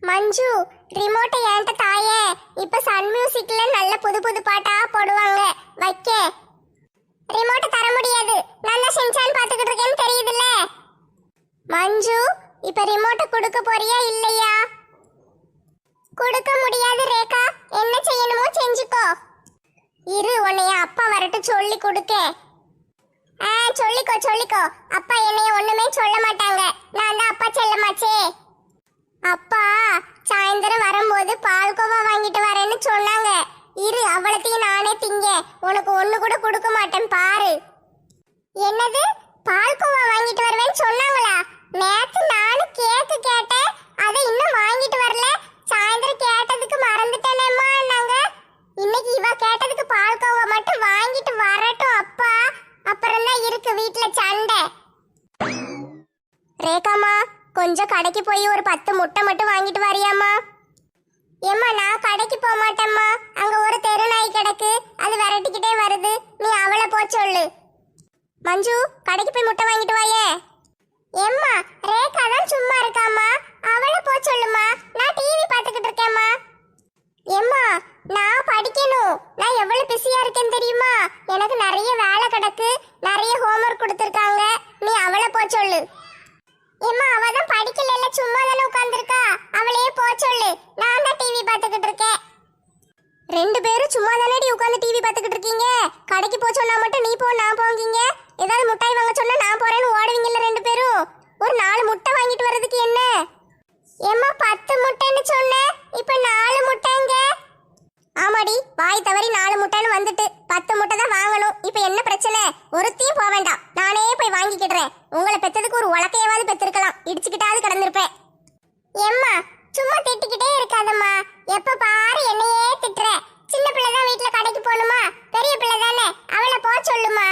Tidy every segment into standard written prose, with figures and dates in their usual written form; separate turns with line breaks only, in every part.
மஞ்சு, ரிமோட்டை ஏன்ட்ட தாயே. இப்ப சன் மியூசிக்ல நல்ல புது புது பாட்டா போடுவாங்க, வைக்க. ரிமோட்டை தர முடியாது, நான் தான் செஞ்சான் பாத்துக்கிட்டு இருக்கேன்னு தெரியுதுல்ல. மஞ்சு, இப்ப ரிமோட்டை கொடுக்க போறியா இல்லையா? கொடுக்க முடியாது ரேகா, என்ன செய்யணுமோ செஞ்சுக்கோ. இரு, உன்னைய அப்பா வரட்டு சொல்லி கொடுக்க. சொல்லிக்கோ சொல்லிக்கோ. அப்பா என்னைய ஒண்ணுமே சொல்ல மாட்டாங்க, நான் தான் அப்பா செல்லமாச்சே. அப்பா சாயந்தரம் வரும்போது பால்கோவா வாங்கிட்டு வரேன்னு சொன்னாங்க. இரு, அவளத்தையும் நானே திங்க. உனக்கு ஒண்ணு கூட கொடுக்க மாட்டேன் பாரு. என்னது, பால்கோவா வாங்கிட்டு வருவேன்னு சொன்னாங்களா? நேத்து நானும் கேக்கு கேட்டேன், அதை இன்னும் வாங்கிட்டு வரல. சாயந்தரம் கேட்டதுக்கு மறந்துட்டேனேம்மா. நாங்க இன்னைக்கு இவ கேட்டதுக்கு பால்கோவா மட்டும் வாங்கிட்டு வரட்டும் அப்பா. அப்புறம் தான் இருக்கு வீட்டுல சண்டை. ரேகாமா, கொஞ்சம் கடைக்கு போய் ஒரு 10 முட்டை மட்டும் வாங்கிட்டு வரியாமா? ஏம்மா, நான் கடைக்கு போக மாட்டேம்மா. அங்க ஒரு தெரு நாய் கிடக்கு, அது விரட்டிக்கிட்டே வருது. நீ அவளை போ சொல்லு. மஞ்சு, கடைக்கு போய் முட்டை வாங்கிட்டு வாயே. ஏம்மா, ரேகா தான் சும்மா இருக்காம்மா, அவளை போ சொல்லுமா. நான் டிவி பார்த்துக்கிட்டு இருக்கேம்மா. ஏம்மா, நான் படிக்கணும். நான் எவ்வளவு பிஸியா இருக்கேன்னு தெரியுமா? எனக்கு நிறைய வேலை கிடக்கு, நிறைய ஹோம்ஒர்க் கொடுத்துருக்காங்க. நீ அவளை போ சொல்லு. ஏம்மா, அவ தான் படிக்கல, சும்மா தானே உட்கார்ந்திருக்கா. அவளையே போ சொல்லு, நான் தான் டிவி பார்த்துக்கிட்டு இருக்கேன். 2 பேரும் சும்மா தானேடி உட்கார்ந்து டிவி பார்த்துக்கிட்டு இருக்கீங்க. கடைக்கு போ சொன்னா மட்டும் நீ போ நான் போங்கீங்க. ஏதாவது முட்டாய் வாங்க சொன்னா நான் போறேன்னு ஓடுவீங்கல்ல 2 பேரும். ஒரு 4 முட்டை வாங்கிட்டு வர்றதுக்கு என்ன? ஏம்மா, 10 முட்டைன்னு சொன்னேன், இப்ப 4 முட்டைங்க. ஆமாடி, வாய் தவறி 4 முட்டைன்னு வந்துட்டு 10 முட்டை தான் வாங்கணும். இப்ப என்ன பிரச்சனை? ஒருத்தையும் போக வேண்டாம், நானே போய் வாங்கிக்கிடுறேன். உங்களை பெத்ததுக்கு ஒரு உலக்கையாவது பெத்திருக்கலாம், இடிச்சுக்கிட்டாவது கிடந்திருப்பேன். ஏம்மா, சும்மா திட்டிக்கிட்டே இருக்காதம்மா. எப்ப பாரு என்னையே திட்டுற. சின்ன பிள்ளை தான் வீட்டுல கடைக்கு போகணுமா? பெரிய பிள்ளை தானே, அவளை போ சொல்லுமா.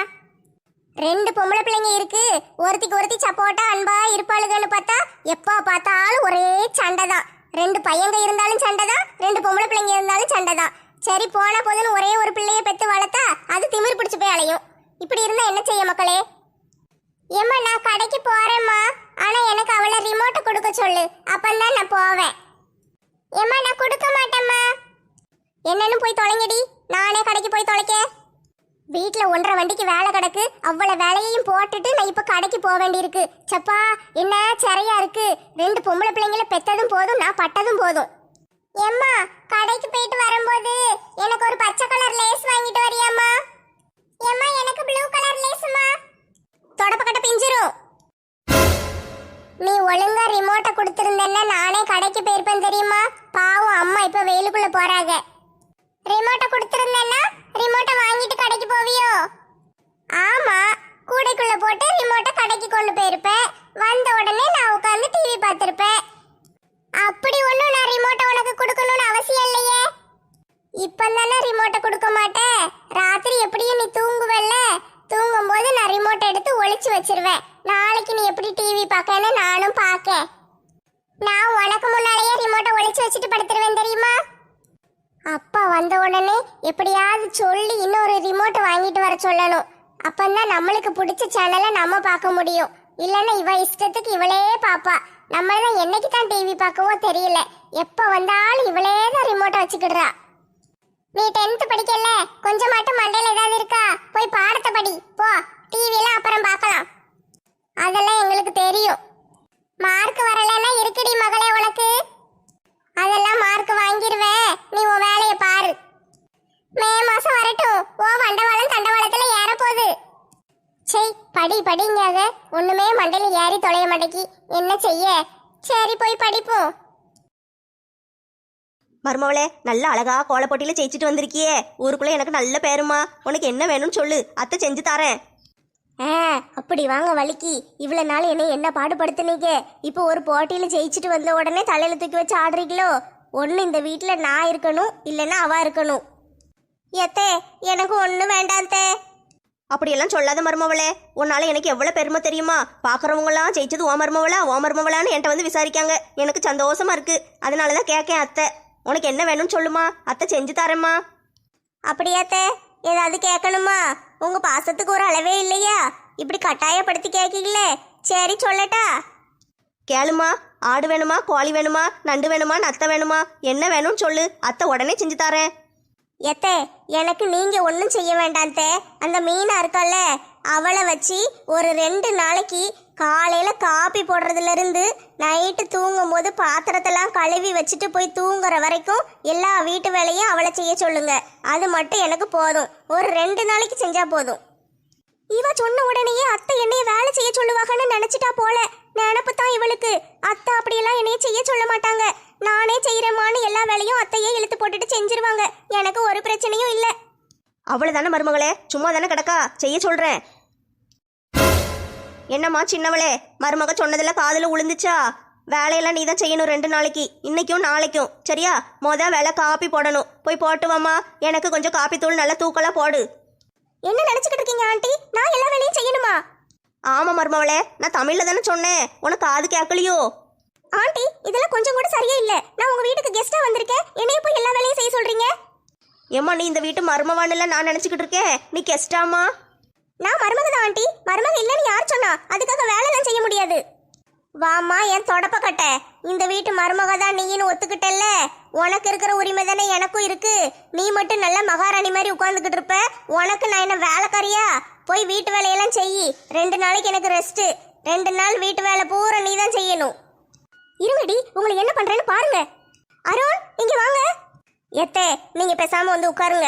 2 பொம்பளை பிள்ளைங்க இருக்கு, ஒருத்திக்கு ஒருத்தி சப்போட்டா அன்பா இருப்பாளுகன்னு பார்த்தா எப்ப பார்த்தாலும் ஒரே சண்டை தான். 2 பையங்க இருந்தாலும் சண்டை தான், 2 பொம்பளை பிள்ளைங்க இருந்தாலும் சண்டை தான். சரி, போனா போதுன்னு ஒரே ஒரு பிள்ளைய பெத்து வளர்த்தா அது திமிர் பிடிச்சு போய் அலையும். இப்படி இருந்தா என்ன செய்ய மக்களே? ஏம்மா, நான் கடைக்கு போறேம்மா, ஆனா எனக்கு அவளை ரிமோட்டை கொடுக்க சொல்லு, அப்பந்தான் நான் போவேன். ஏம்மா, நான் கொடுக்க மாட்டேம்மா. என்னன்னு போய் தொலைங்கடி, நானே கடைக்கு போய் தொலைக்க. வீட்டுல 1.5 வண்டிக்கு வேலை கிடக்கு, அவ்வளவு வேலையையும் போட்டுட்டு நான் இப்ப கடைக்கு போக வேண்டியிருக்கு. சப்பா, என்ன சரியா இருக்கு. 2 பொம்பளை பிள்ளைங்கள பெத்ததும் போதும், நான் பட்டதும் போதும். ஏம்மா, கடைக்கு போயிட்டு வரும்போது எனக்கு ஒரு பச்சை கலர் லேஸ் வாங்கிட்டு வரியாம்மா? ஏம்மா, எனக்கு ப்ளூ கலர் லேஸ்மா. தொடப்பக்கட்ட பிஞ்சிரும். நீ ஒழுங்கா ரிமோட்டை கொடுத்திருந்தேன்னா நானே கடைக்கு போயிருப்பேன் தெரியுமா? பாவம் அம்மா இப்ப வெயிலுக்குள்ள போறாங்க. ரிமோட்டை கொடுத்திருந்தேன்னா ரிமோட்டை வாங்கிட்டு கடைக்கு போவியோ? ஆமா, கூடைக்குள்ள போட்டு ரிமோட்டை கடைக்கு கொண்டு போயிருப்பேன். வந்த உடனே நான் உட்கார்ந்து டிவி பார்த்திருப்பேன். அப்படி ஒண்ணும் நான் ரிமோட்டை உனக்கு கொடுக்கணும்னு அவசியம் இல்லையே. இப்பந்தானே ரிமோட்டை கொடுக்க மாட்டேன். ராத்திரி எப்படியும் நீ தூங்குவல்ல, தூங்கும் போது நான் ரிமோட்டை எடுத்து ஒளிச்சு வச்சிருவேன். நாளைக்கு நீ எப்படி டிவி பார்க்கன்னு நானும் பார்க்க. நான் உனக்கு முன்னாலேயே ரிமோட்டை ஒளிச்சு வச்சுட்டு படுத்துருவேன் தெரியுமா? அப்பா வந்த உடனே எப்படியாவது சொல்லி இன்னொரு ரிமோட்டை வாங்கிட்டு வர சொல்லணும். அப்பந்தான் நம்மளுக்கு பிடிச்ச சேனலை நம்ம பார்க்க முடியும். இல்லைன்னா இவ இஷ்டத்துக்கு இவளே பாப்பா. நம்மளாம் என்னைக்கு தான் டிவி பார்க்கவோ தெரியல, எப்ப வந்தாலும் இவளே தான் ரிமோட்டை வச்சுக்கிடுறா. நீ 10th படிக்கல, கொஞ்சம் மட்டும் மண்டையில ஏதாவது இருக்கா? போய் பாடத்தை படி போ. டிவிலாம் அப்புறம் பார்க்கலாம், அதெல்லாம் எங்களுக்கு தெரியும். மார்க் வரலன்னா இருக்குடி மகளே உனக்கு. அதெல்லாம் மார்க் வாங்கிடுவேன், நீ உன் வேலையை பாரு. மே மாசம் வரட்டும், ஓ வண்டவாளம் தண்டவாளத்துல ஏற போகுது. சரி, படி படிங்காக ஒண்ணுமே மண்டையில ஏறி தொலைய மாட்டேக்கி, என்ன செய்ய? சரி, போய் படிப்போம்.
மருமவளே, நல்ல அழகா கோல போட்டியில ஜெயிச்சுட்டு வந்திருக்கியே. ஊருக்குள்ள எனக்கு நல்ல பேருமா. உனக்கு என்ன வேணும்னு சொல்லு, அத்தை செஞ்சு தரேன்.
அப்படி வாங்க வலிக்கு. இவ்வளவு நாள் என்ன பாடுபடுத்துனீங்க. இப்போ ஒரு போட்டியில ஜெயிச்சுட்டு வந்த உடனே தலையில தூக்கி வச்சு ஆடுறீங்களோ? ஒண்ணு இந்த வீட்டுல நான் இருக்கணும், இல்லைன்னா அவ இருக்கணும். எத்தே, எனக்கு ஒண்ணு வேண்டாந்தே.
அப்படியெல்லாம் சொல்லாத மருமவளே, உன்னால எனக்கு எவ்வளவு பெருமை தெரியுமா? பாக்குறவங்களாம் ஜெயிச்சது ஓ மருமவளான்னு என்கிட்ட வந்து விசாரிக்காங்க. எனக்கு சந்தோஷமா இருக்கு, அதனாலதான் கேட்கேன். அத்தை, உனக்கு என்ன வேணும்னு சொல்லுமா, அத்தை செஞ்சு தரேம்மா.
அப்படியாத்தே, ஏதாவது கேட்கணுமா? உங்க பாசத்துக்கு ஒரு அளவே இல்லையா? இப்படி கட்டாயப்படுத்தி கேட்கீங்களே. சரி சொல்லட்டா?
கேளுமா, ஆடு வேணுமா, கோழி வேணுமா, நண்டு வேணுமா, நத்தை வேணுமா, என்ன வேணும்னு சொல்லு, அத்தை உடனே செஞ்சு தரேன்.
எத்தே எனக்கு நீங்க ஒன்றும் செய்ய வேண்டாம் தே. அந்த மீனா இருக்கல்ல அவளை வச்சு ஒரு 2 நாளைக்கு காலையில காப்பி போடுறதுல இருந்து நைட்டு தூங்கும் போது பாத்திரத்தெல்லாம் கழுவி வச்சுட்டு போய் தூங்குற வரைக்கும் எல்லா வீட்டு வேலையும் அவளை செய்ய சொல்லுங்க. அது மட்டும் எனக்கு போதும். ஒரு 2 நாளைக்கு செஞ்சா போதும். இவ சொன்ன உடனேயே அத்தை என்னைய வேலை செய்ய சொல்லுவாங்கன்னு நினைச்சிட்டா போல. நினப்பு தான் இவளுக்கு. அத்தை அப்படியெல்லாம் என்னைய செய்ய சொல்ல மாட்டாங்க. நானே செய்யறேமான்னு எல்லா வேலையும் அத்தையே இழுத்து போட்டுட்டு செஞ்சிருவாங்க. எனக்கு ஒரு பிரச்சனையும் இல்லை.
அவ்வளவுதானே மருமகளே, சும்மா தானே கிடக்கா, செய்ய சொல்றேன். என்னம்மா சின்னவளே, மருமக சொன்னதுல காதுல உளுந்துச்சா? வேலையெல்லாம் நீ தான் செய்யணும் 2 நாளைக்கு, இன்னைக்கும் நாளைக்கும், சரியா? வேலை காப்பி போடணும், போய் போட்டு வாமா. எனக்கு கொஞ்சம் காப்பி தூள் நல்லா தூக்கலா போடு.
என்ன நினைச்சுக்கிட்டு இருக்கீங்க ஆண்டி? நான் எல்லா வேலையும் செய்யணுமா?
ஆமா மருமவளே, நான் தமிழ்ல தானே சொன்னேன், உனக்கு காது கேட்கலையோ?
ஆண்டி இதெல்லாம் கொஞ்சம் கூட சரியே இல்ல. நான் உங்க வீட்டுக்கு கெஸ்டா வந்திருக்கேன், என்னைய போய் எல்லா வேலையும் செய்ய சொல்றீங்க.
ஏம்மா நீ இந்த வீட்டு மருமவான்ல நான் நினைச்சுக்கிட்டு இருக்கேன், நீ கெஸ்டாமா?
நான் மருமக தான் ஆண்டி. மருமக இல்லைன்னு யார் சொன்னா? அதுக்காக வேலைலாம் செய்ய முடியாது. வாமா என் தொடப்ப கட்ட. இந்த வீட்டு மருமக தான் நீன்னு ஒத்துக்கிட்டல்ல. உனக்கு இருக்கிற உரிமை தானே எனக்கும் இருக்கு. நீ மட்டும் நல்ல மகாராணி மாதிரி உட்கார்ந்துக்கிட்டு இருப்ப. உனக்கு நான் என்ன வேலைக்காரியா? போய் வீட்டு வேலையெல்லாம் செய். 2 நாளைக்கு எனக்கு ரெஸ்ட். 2 நாள் வீட்டு வேலை பூரா நீ தான் செய்யணும். இருங்கடி, உங்களை என்ன பண்றேன்னு பாருங்க. அருண் இங்க வாங்க. எத்தே நீங்க பேசாம வந்து உட்காருங்க.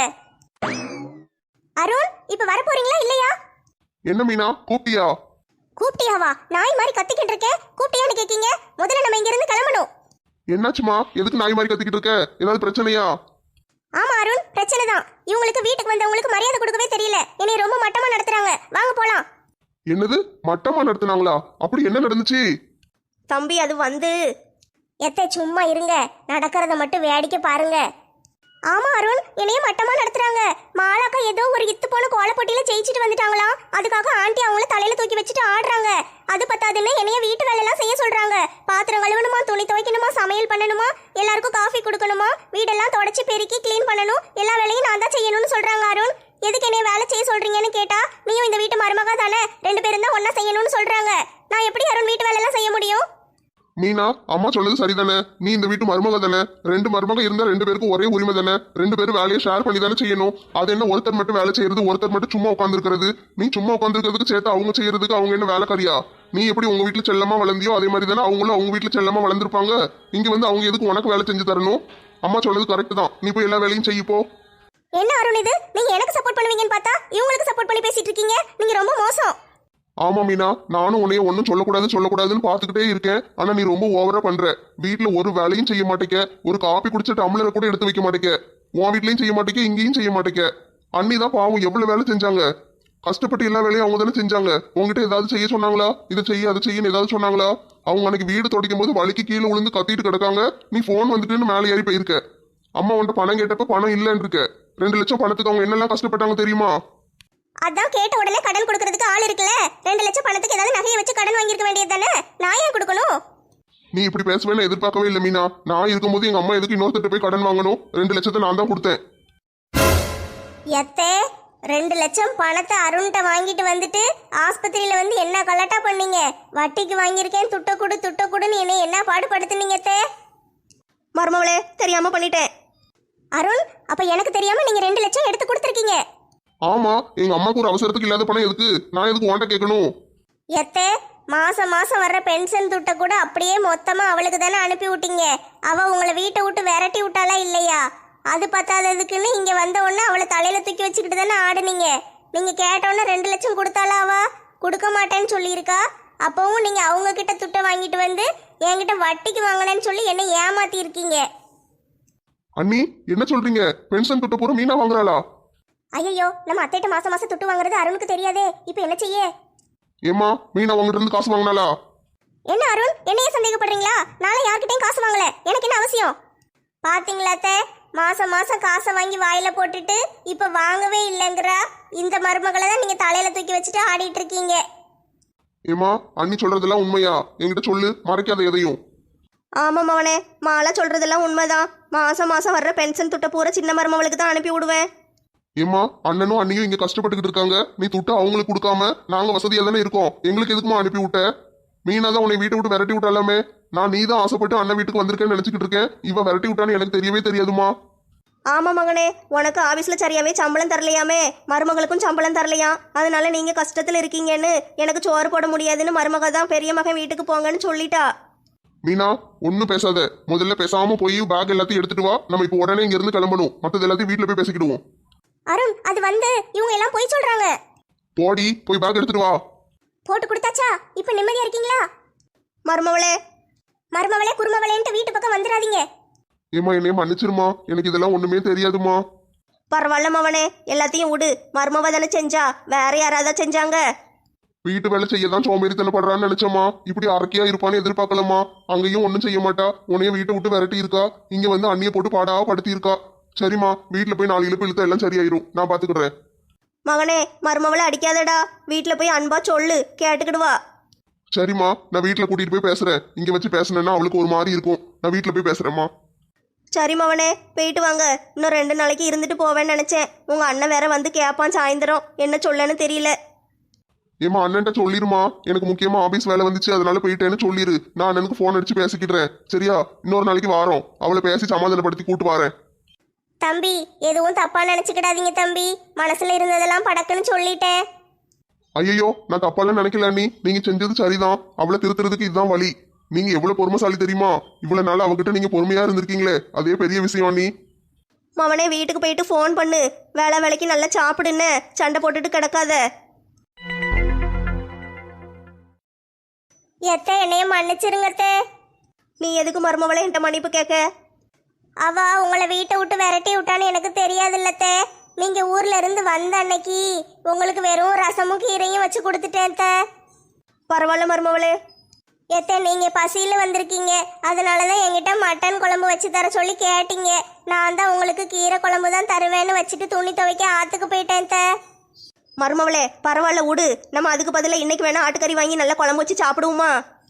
அருண் இப்ப வர போறீங்களா இல்லையா?
என்ன மீனா, கூப்பிட்டியா?
கூப்பிட்டியாவா? நாய் மாதிரி கத்திக்கிட்டு இருக்கேன், கூப்பிட்டியான்னு கேக்கீங்க? முதல்ல நம்ம இங்க இருந்து கிளம்பணும்.
என்னாச்சுமா, எதுக்கு நாய் மாதிரி கத்திக்கிட்டு இருக்க? ஏதாவது பிரச்சனையா?
ஆமா அருண், பிரச்சனை தான். இவங்களுக்கு வீட்டுக்கு வந்தவங்களுக்கு மரியாதை கொடுக்கவே தெரியல. என்னை ரொம்ப மட்டமா நடத்துறாங்க. வாங்க போலாம்.
என்னது, மட்டமா நடத்துனாங்களா? அப்படி என்ன நடந்துச்சு?
தம்பி அது வந்து
எத்தை சும்மா இருங்க, நடக்கிறத மட்டும் வேடிக்கை பாருங்க. ஆமா அருண், என்னைய மட்டமா நடத்துறாங்க. மாலாக்கா ஏதோ ஒரு இத்து போன கோலப்பொட்டியில ஜெயிச்சுட்டு வந்துட்டாங்களாம். அதுக்காக ஆண்டி அவங்கள தலையில தூக்கி வச்சுட்டு ஆடுறாங்க. அது பத்தாதுன்னு என்னைய வீட்டு வேலை எல்லாம் செய்ய சொல்றாங்க. பாத்திரம் கழுவணுமா, துணி துவைக்கணுமா, சமையல் பண்ணணுமா, எல்லாருக்கும் காஃபி கொடுக்கணுமா, வீடெல்லாம் தொடச்சி பெருக்கி கிளீன் பண்ணணும், எல்லா வேலையும் நான் தான் செய்யணும்னு சொல்றாங்க. அருண் எதுக்கு என்னைய வேலை செய்ய சொல்றீங்கன்னு கேட்டா, நீயும் இந்த வீட்டு மருமகா தானே, 2 பேரும் தான் ஒன்னா செய்யணும்னு சொல்றாங்க. நான் எப்படி அருண் வீட்டு வேலை எல்லாம் செய்ய முடியும்?
மீனா, அம்மா சொன்னது சரிதானே? நீ இந்த வீட்டு மருமக தானே? 2 மருமக இருந்தா 2 பேருக்கும் ஒரே உரிமை தானே? 2 பேரும் வேலையை ஷேர் பண்ணி தானே செய்யணும். அது என்ன ஒருத்தர் மட்டும் வேலை செய்யறது, ஒருத்தர் மட்டும் சும்மா உட்காந்துருக்கிறது? நீ சும்மா உட்காந்துருக்கிறதுக்கு சேர்த்து அவங்க செய்யறதுக்கு அவங்க என்ன வேலைக்காரியா? நீ எப்படி உங்க வீட்டுல செல்லமா வளர்ந்தியோ அதே மாதிரி தானே அவங்களும் அவங்க வீட்டுல செல்லமா வளர்ந்துருப்பாங்க. இங்க வந்து அவங்க எதுக்கு உனக்கு வேலை செஞ்சு தரணும்? அம்மா சொன்னது கரெக்ட் தான், நீ போய் எல்லா வேலையும் செய்யப்போ.
என்ன அருண் இது? நீங்க எனக்கு சப்போர்ட் பண்ணுவீங்கன்னு பார்த்தா இவங்களுக்கு சப்போர்ட் பண்ணி பேசிட்டு இருக்கீங்க. நீங்க ரொம்ப மோசம்.
ஆமா மீனா, நானும் உன்னைய ஒன்னும் சொல்லக்கூடாதுன்னு பாத்துக்கிட்டே இருக்கேன். ஆனா நீ ரொம்ப ஓவரா பண்ற. வீட்டுல ஒரு வேலையும் செய்ய மாட்டேக்க, ஒரு காப்பி குடிச்ச டம்ளரை கூட எடுத்து வைக்க மாட்டேக்க. உன் வீட்லயும் செய்ய மாட்டேக்க, இங்கேயும் செய்ய மாட்டேக்க. அண்ணி தான் பாவம் எவ்வளவு வேலை செஞ்சாங்க. கஷ்டப்பட்டு எல்லா வேலையும் அவங்க தானே செஞ்சாங்க. உங்ககிட்ட ஏதாவது செய்ய சொன்னாங்களா? இதை செய்ய அதை செய்யன்னு ஏதாவது சொன்னாங்களா? அவங்க அன்னைக்கு வீடு துடைக்கும் போது வலிக்கு கீழே விழுந்து கத்திட்டு கிடக்காங்க. நீ போன் வந்துட்டுன்னு மேலே ஏறி போயிருக்க. அம்மா உன்ட்ட பணம் கேட்டப்ப பணம் இல்லைன்னு இருக்க. 2 லட்சம் பணத்துக்கு அவங்க என்னெல்லாம் கஷ்டப்பட்டாங்க தெரியுமா?
அதான் கேட்ட உடனே கடன் கொடுக்கறதுக்கு ஆள் இருக்குல்ல. 2 லட்சம் பணத்துக்கு ஏதாவது நகையை வச்சு கடன் வாங்கியிருக்க வேண்டியது தானே. நான் ஏன் கொடுக்கணும்?
நீ இப்படி பேசுவேன்னு எதிர்பார்க்கவே இல்லை மீனா. நான் இருக்கும்போது எங்க அம்மா எதுக்கு இன்னொருத்தட்ட போய் கடன் வாங்கணும்? 2 லட்சத்தை நான் தான் கொடுத்தேன்.
எத்தே 2 லட்சம் பணத்தை அருண்கிட்ட வாங்கிட்டு வந்துட்டு ஆஸ்பத்திரியில வந்து என்ன கலட்டா பண்ணீங்க? வட்டிக்கு வாங்கியிருக்கேன், துட்ட கொடுன்னு என்னை என்ன பாடுபடுத்துனீங்க?
மருமவளே, தெரியாம பண்ணிட்டேன்.
அருண் அப்ப எனக்கு தெரியாம நீங்க 2 லட்சம் எடுத்து கொடுத்துருக்கீங்க.
ஆமா, எங்க அம்மாக்கு ஒரு அவசரத்துக்கு இல்லாத பணம் எதுக்கு? நான் எதுக்கு உன்கிட்ட கேட்கணும்?
எத்தே மாசம் வர்ற பென்ஷன் துட்டை கூட அப்படியே மொத்தமா அவளுக்கு தானே அனுப்பி விட்டீங்க. அவ உங்களை வீட்டை விட்டு விரட்டி விட்டாலா இல்லையா? அது பத்தாததுக்குன்னு இங்க வந்த உடனே அவளை தலையில தூக்கி வச்சுக்கிட்டு தானே ஆடுனீங்க. நீங்க கேட்டோன்னே 2 லட்சம் கொடுத்தாலா? அவ கொடுக்க மாட்டேன்னு சொல்லியிருக்கா. அப்பவும் நீங்க அவங்க கிட்ட துட்டை வாங்கிட்டு வந்து என்கிட்ட வட்டிக்கு வாங்கினேன்னு சொல்லி என்ன ஏமாத்தி இருக்கீங்க.
அண்ணி என்ன சொல்றீங்க? பென்ஷன் துட்ட பூரா மீனா வாங்குறாளா?
ஐயோ, நம்ம அத்தைட்ட மாசம் துட்டு வாங்குறது அருணுக்கு தெரியாதே. இப்ப என்ன செய்ய?
ஏமா, மீனா உங்ககிட்ட இருந்து காசு வாங்கினாளா?
என்ன அருண், என்னைய சந்தேகப்படுறீங்களா? நாளை யார்கிட்டயும் காசு வாங்கல. எனக்கு என்ன அவசியம்? பாத்தீங்களா அத்தை, மாசம் காசை வாங்கி வாயில போட்டுட்டு இப்ப வாங்கவே இல்லைங்கிறா. இந்த மருமகளை தான் நீங்க தலையில தூக்கி வச்சுட்டு ஆடிட்டு இருக்கீங்க.
ஏமா, அண்ணி சொல்றதெல்லாம் உண்மையா? என்கிட்ட சொல்லு, மறைக்காத எதையும்.
ஆமா மவனே, மாலா சொல்றதெல்லாம் உண்மைதான். மாசம் வர்ற பென்ஷன் துட்ட பூரா சின்ன மருமவளுக்கு தான் அனுப்பி விடுவேன்.
ஏமா, அண்ணனும் அண்ணியும் இங்க கஷ்டப்பட்டுக்கிட்டு இருக்காங்க. நீ துட்ட அவங்களுக்கு கொடுக்காம நாங்க வசதியா தானே இருக்கோம். எங்களுக்கு எதுக்குமா அனுப்பி விட்ட? மீனா தான் உன்னை வீட்டை விட்டு விரட்டி விட்டாலாமே. நான் நீ தான் ஆசைப்பட்டு அண்ணன் வீட்டுக்கு வந்திருக்கேன்னு நினைச்சுக்கிட்டு இருக்கேன். இவ விரட்டி விட்டான்னு எனக்கு தெரியவே தெரியாதுமா.
ஆமா மகனே, உனக்கு ஆபீஸ்ல சரியாவே சம்பளம் தரலையாமே, மருமகளுக்கும் சம்பளம் தரலையாம். அதனால நீங்க கஷ்டத்துல இருக்கீங்கன்னு எனக்கு சோறு போட முடியாதுன்னு மருமக தான் பெரிய மகன் வீட்டுக்கு போங்கன்னு சொல்லிட்டா.
மீனா ஒன்னும் பேசாத. முதல்ல பேசாம போய் பேக் எல்லாத்தையும் எடுத்துட்டு வா. நம்ம இப்போ உடனே இங்க இருந்து கிளம்பணும். மத்தது எல்லாத்தையும் வீட்டுல போய் பேசிக்கிடுவோம்.
அருண், அது வந்து இவங்க எல்லாம் போய் சொல்றாங்க.
போடி, போய் பேக் எடுத்துட்டு வா.
போட்டு கொடுத்தாச்சா? இப்ப நிம்மதியா இருக்கீங்களா?
மருமவளே
மருமவளே குருமவளேன்ட்டு வீட்டு பக்கம் வந்துடாதீங்க.
ஏமா என்னைய மன்னிச்சிருமா, எனக்கு இதெல்லாம் ஒண்ணுமே தெரியாதுமா.
பரவாயில்ல மவனே, எல்லாத்தையும் விடு. மருமவ தானே செஞ்சா, வேற யாராவது செஞ்சாங்க?
வீட்டு வேலை செய்யதான் சோம்பேறித்தனப்படுறான்னு நினைச்சோமா. இப்படி அரக்கையா இருப்பான்னு எதிர்பார்க்கலமா. அங்கேயும் ஒன்னும் செய்ய மாட்டா. உன்னைய வீட்டை விட்டு விரட்டி இருக்கா. இங்க வந்து அண்ணிய போட்டு பாடாவா படுத்தி இருக்கா. சரிம்மா, வீட்டுல போய் 4 இழுப்பு இழுத்தா எல்லாம் சரியாயிரும். நான் பாத்துக்கிடுறேன்.
மகனே, மருமவளை அடிக்காதடா. வீட்டுல போய் அன்பா சொல்லு, கேட்டுக்கிடுவா.
சரிம்மா, நான் வீட்டுல கூட்டிட்டு போய் பேசுறேன். இங்க வச்சு பேசுனேன்னா அவளுக்கு ஒரு மாதிரி இருக்கும். நான் வீட்டுல போய் பேசுறேம்மா.
சரி மவனே, போயிட்டு வாங்க. இன்னும் 2 நாளைக்கு இருந்துட்டு போவேன்னு நினைச்சேன். உங்க அண்ணன் வேற வந்து கேட்பான் சாயந்தரம். என்ன சொல்லன்னு தெரியல.
ஏமா அண்ணன்ட்ட சொல்லிருமா. எனக்கு முக்கியமா ஆபீஸ் வேலை வந்துச்சு, அதனால போயிட்டேன்னு சொல்லிரு. நான் அண்ணனுக்கு போன் அடிச்சு பேசிக்கிடுறேன். சரியா? இன்னொரு நாளைக்கு வாரோம். அவளை பேசி சமாதானப்படுத்தி கூட்டு வரேன்.
தம்பி, எதுவும் தப்பா நினைச்சுக்கிடாதீங்க தம்பி. மனசுல இருந்ததெல்லாம் படக்குன்னு சொல்லிட்டேன்.
ஐயோ, நான் தப்பாலாம் நினைக்கல அண்ணி. நீங்க செஞ்சது சரிதான். அவளை திருத்துறதுக்கு இதுதான் வழி. நீங்க எவ்வளவு பொறுமைசாலி தெரியுமா? இவ்வளவு நாள் அவகிட்ட நீங்க பொறுமையா இருந்திருக்கீங்களே, அதே பெரிய விஷயம் அண்ணி.
மவனே, வீட்டுக்கு போயிட்டு ஃபோன் பண்ணு. வேலைக்கு நல்லா சாப்பிடுன்னு சண்டை போட்டுட்டு கிடக்காத.
எத்த என்னைய மன்னிச்சிருங்கத்த.
நீ எதுக்கு மருமவளை என்கிட்ட மன்னிப்பு கேட்க?
அவ உங்களை வீட்டை விட்டு விரட்டி விட்டான்னு எனக்கு தெரியாதுல்லத்த. நீங்க ஊர்ல இருந்து வந்த அன்னைக்கு உங்களுக்கு வெறும் ரசமும் கீரையும் வச்சு கொடுத்துட்டேன்.
பரவாயில்ல மருமவளே.
எத்த, நீங்க பசியில வந்திருக்கீங்க, அதனாலதான் என்கிட்ட மட்டன் குழம்பு வச்சு தர சொல்லி கேட்டீங்க. நான் தான் உங்களுக்கு கீரை குழம்பு தான் தருவேன்னு வச்சுட்டு துணி துவைக்க ஆத்துக்கு போயிட்டேன்.
மருமவளே, பரவாயில்ல விடு. நம்ம அதுக்கு பதிலா இன்னைக்கு வேணா ஆட்டுக்கறி வாங்கி நல்லா குழம்பு வச்சு சாப்பிடுவோமா?